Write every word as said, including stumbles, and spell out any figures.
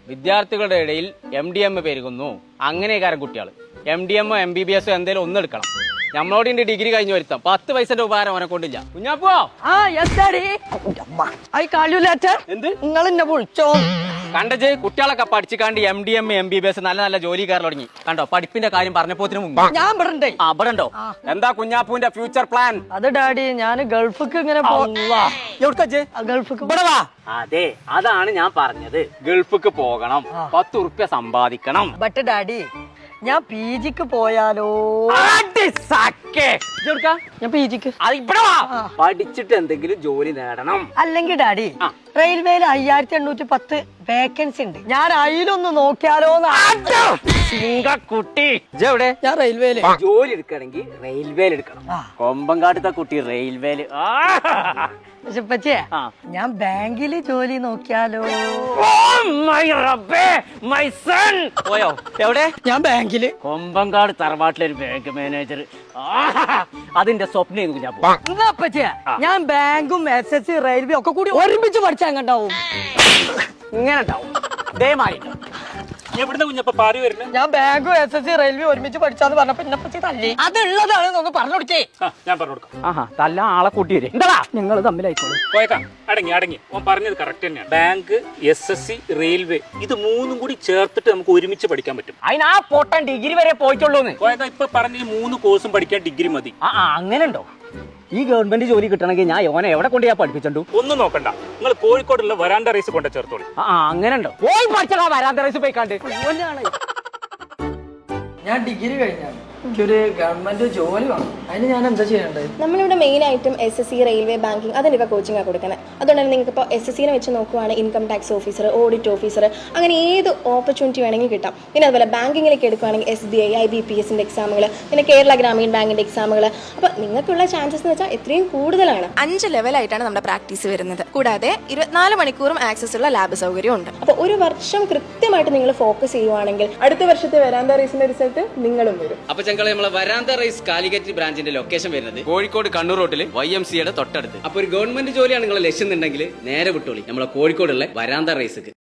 വിദ്യാർത്ഥികളുടെ ഇടയിൽ M D M പെരുകുന്നു. അങ്ങനെയൊക്കെ കുട്ടികൾ എം ഡി എമ്മോ എം ബി ബി എസോ എന്തെങ്കിലും ഒന്ന് എടുക്കണം. നമ്മളോട് ഇന്റെ ഡിഗ്രി കഴിഞ്ഞ് വരുത്താം. പത്ത് പൈസന്റെ ഉപകാരം അവനെ കൊണ്ടില്ല. കുഞ്ഞാപ്പോ ആ yes I call you later. എന്ത് നിങ്ങൾ എന്നെ വിളിച്ചോ? കണ്ടജ് കുട്ടികളൊക്കെ പഠിച്ചിക്കാണ്ട് M D M M B B S നല്ല നല്ല ജോലി കയറി തുടങ്ങി. കണ്ടോ പഠിപ്പിന്റെ കാര്യം പറഞ്ഞപ്പോത്തിന് മുമ്പ് ഞാൻ ഇവിടെ ആ ഇവിടെ ഉണ്ടോ? എന്താ കുഞ്ഞാപ്പൂന്റെ ഫ്യൂച്ചർ പ്ലാൻ? അത് ഡാഡി ഞാൻ ഗൾഫിക്ക് ഇങ്ങനെ ഗൾഫിക്ക് അതെ അതാണ് ഞാൻ പറഞ്ഞത്. ഗൾഫിക്ക് പോകണം, പത്ത് ഉറുപ്യ സമ്പാദിക്കണം. ബട്ട് ഡാഡി ഞാൻ പി ജിക്ക് പോയാലോ? ഞാൻ പി ജിക്ക് പഠിച്ചിട്ട് എന്തെങ്കിലും ജോലി നേടണം. അല്ലെങ്കിൽ ഡാഡി റെയിൽവേയിൽ അയ്യായിരത്തി എണ്ണൂറ്റി പത്ത് വേക്കൻസി ഉണ്ട്. ഞാൻ അതിലൊന്ന് നോക്കിയാലോ? കുട്ടി എവിടെ? ഞാൻ റെയിൽവേയില് ജോലി എടുക്കണമെങ്കിൽ റെയിൽവേയിൽ എടുക്കണം. കൊമ്പങ്കാട്ടത്തെ കുട്ടി റെയിൽവേയില്. പക്ഷേ ഞാൻ ബാങ്കില് ജോലി നോക്കിയാലോ? പോയോ? എവിടെ? ഞാൻ ബാങ്കില് കൊമ്പങ്കാട് തറവാട്ടിലൊരു ബാങ്ക് മാനേജർ. അതിന്റെ സ്വപ്നം പച്ചേ ഞാൻ ബാങ്കും എസ് എസ് സി റെയിൽവേ ഒക്കെ കൂടി ഒരുമിച്ച് പഠിച്ചാൽ എങ്ങണ്ടാവും? ഇങ്ങനെ ഉണ്ടാവും. ദയമായി ഞാൻ ബാങ്കും എസ് എസ് സി റെയിൽവേ ഒരുമിച്ച് പഠിച്ചാന്ന് പറഞ്ഞപ്പോ എന്നെ പറ്റി തല്ലി. അതുള്ളതാണ് നമുക്ക് പറഞ്ഞു കൊടുക്കേ. ഞാൻ പറഞ്ഞു കൊടുക്കാം. ആഹാ തല്ല ആളെ കൂട്ടി വരും. എന്താ നിങ്ങൾ തമ്മിലായിക്കോളൂ. പോയേക്കാം. അടങ്ങി അടങ്ങി ഓൻ പറഞ്ഞത് കറക്റ്റ് തന്നെയാണ്. Bank, S S C, railway ഇത് മൂന്നും കൂടി ചേർത്തിട്ട് നമുക്ക് ഒരുമിച്ച് പഠിക്കാൻ പറ്റും. അതിന് ആ പൊട്ടൻ ഡിഗ്രി വരെ പോയിട്ടുള്ളൂന്ന്. പോയേക്കാം. ഇപ്പൊ പറഞ്ഞ മൂന്ന് കോഴ്സും പഠിക്കാൻ ഡിഗ്രി മതി. ആ അങ്ങനെ ഉണ്ടോ? ഈ ഗവൺമെന്റ് ജോലി കിട്ടണമെങ്കിൽ ഞാൻ ഓനെ എവിടെ കൊണ്ട് ഞാൻ പഠിപ്പിച്ചു? ഒന്നും നോക്കണ്ട, നിങ്ങൾ കോഴിക്കോടുള്ള വരാണ്ട റൈസ് കൊണ്ട് ചേർത്തോളൂ. ആ അങ്ങനെ ഉണ്ടോ? പോയി പഠിച്ചാ വരാന്ത റൈസ് പോയിക്കാണ്ട്. ഞാൻ ഡിഗ്രി കഴിഞ്ഞാണ്, എനിക്കൊരു ഗവൺമെന്റ് ജോലി വേണം. അതിന് ഞാൻ എന്താ ചെയ്യേണ്ടത്? നമ്മളിവിടെ മെയിൻ ആയിട്ടും S S C, railway, banking അതിനൊക്കെ കോച്ചിങ്ങാണ് കൊടുക്കുന്നത്. അതുകൊണ്ട് തന്നെ നിങ്ങൾക്ക് ഇപ്പോൾ എസ് എസ് സിനെ വെച്ച് നോക്കുവാണെങ്കിൽ income tax officer, audit officer, അങ്ങനെ ഏത് ഓപ്പർച്യൂണിറ്റി വേണമെങ്കിൽ കിട്ടാം. പിന്നെ അതുപോലെ ബാങ്കിങ്ങിലേക്ക് എടുക്കുകയാണെങ്കിൽ S B I, I B P എസിൻ്റെ എക്സാമുകൾ, പിന്നെ കേരള ഗ്രാമീൺ ബാങ്കിൻ്റെ എക്സാമുകൾ. അപ്പോൾ നിങ്ങൾക്കുള്ള ചാൻസസ് എന്ന് വെച്ചാൽ എത്രയും കൂടുതലാണ്. അഞ്ച് ലെവലായിട്ടാണ് നമ്മുടെ പ്രാക്ടീസ് വരുന്നത്. കൂടാതെ ഇരുപത്തിനാല് മണിക്കൂറും ആക്സസ് ഉള്ള ലാബ് സൗകര്യം ഉണ്ട്. അപ്പോൾ ഒരു വർഷം കൃത്യമായിട്ട് നിങ്ങൾ ഫോക്കസ് ചെയ്യുവാണെങ്കിൽ അടുത്ത വർഷത്തെ വരാന്ത റേസിന്റെ റിസൾട്ട് നിങ്ങളും വരും. അപ്പൊ ഞങ്ങളെ നമ്മളെ വരാന്ത റൈസ് കാലിക്കറ്റ് ബ്രാഞ്ചിന്റെ ലൊക്കേഷൻ വരുന്നത് കോഴിക്കോട് കണ്ണൂർ റോട്ടില് വൈ എം സിയുടെ തൊട്ടടുത്ത്. അപ്പൊ ഒരു ഗവൺമെന്റ് ജോലിയാണ് നിങ്ങളെ ലക്ഷ്യം എന്നുണ്ടെങ്കിൽ നേരെ വിട്ടോളി നമ്മളെ കോഴിക്കോടുള്ള വരാന്ത റൈസ്.